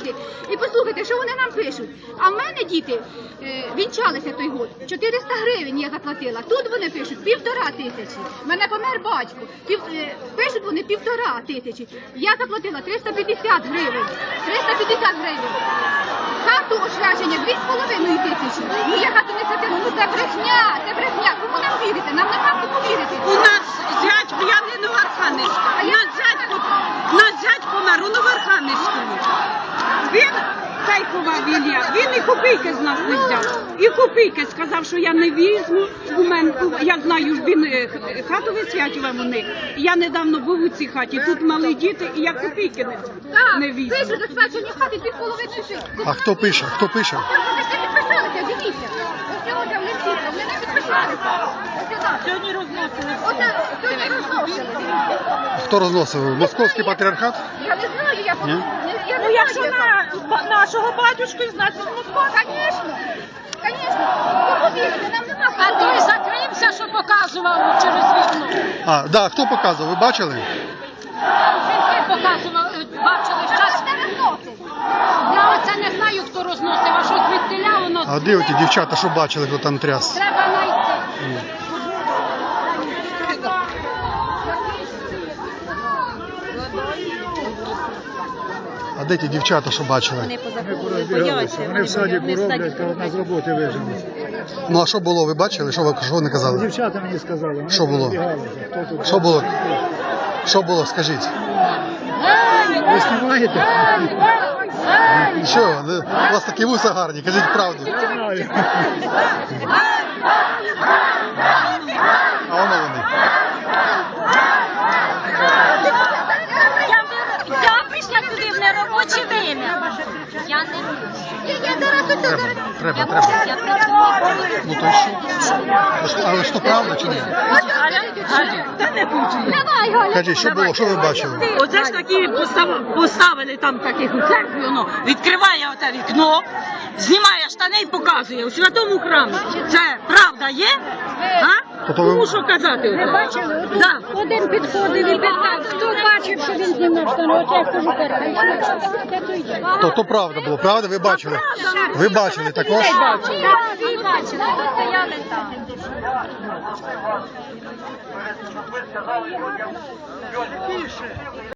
діти. І послухайте, що вони нам пишуть. А в мене діти вінчалися той год. 400 гривень я заплатила. Тут вони пишуть 1500. В мене помер батько. Пишуть вони 1500. Я заплатила 350 гривень. 350 гривень. Хату ошвячення 2,5 тисячі. Ну я хату не сатину, ну це брехня, це брехня. Кому нам вірити? Нам нема кому вірити. У нас зять, я не Новоархангельська, наш зять помер у Новоархангельському. Він ховав Ілля, він і копійки з нас не взяв. І копійки сказав, що я не візьму. Я знаю, що він хату висвячував у них. Я недавно був у цій хаті, тут мали діти, і я копійки не візьму. Пишуть за свячені хати 2,5 тисячі. А хто пише? Хто пише? Вони всі підписалися, дивіться. Ось сьогодні вони всі, вони не підписалися. Сьогодні розносили. Сьогодні розносили. Хто розносив? Московський патріархат? Я не знаю, я не Ну якщо на нашого батюшку, значить Москва. Звісно, звісно. Кому вірити? Нам нема А той закрився, що показував через вікно. А, да, хто показував? Ви бачили? Жінки показував, бачили час. Я оце не знаю, хто розносив, а що звідтиля воно. А де оті дівчата, що бачили, хто там тряс? Треба знайти. А де ті дівчата, що бачили? Вони в садіку роблять, коли нас з роботи виженуть. Ну а що було, ви бачили? Що вони казали? Дівчата мені сказали. Вони Що було? розбігалися. Хто тут? Що було? Що було, скажіть? Ви знімаєте? Що? У вас такі вуса гарні, кажіть правду. Я знаю. А воно вони. Я прийшла туди в неробоче время. Я не Треба. Я працюю. Ну то й що? Але що правда чи ні? Давай, Галя. Кажіть, що було, що ви бачили? Оце ж такі поставили там таких у церкві, воно відкриває оте вікно, знімає штани і показує у святому храмі. Це правда є? А? Тобто ви- Кому що казати? Ви бачили? Да. Один підходив і питав, хто бачив, що він знімав штани. От я кажу, То правда було, правда? Ви бачили? Ви бачили також? всі бачили, хто стояли там. Щоб ви сказали людям, більше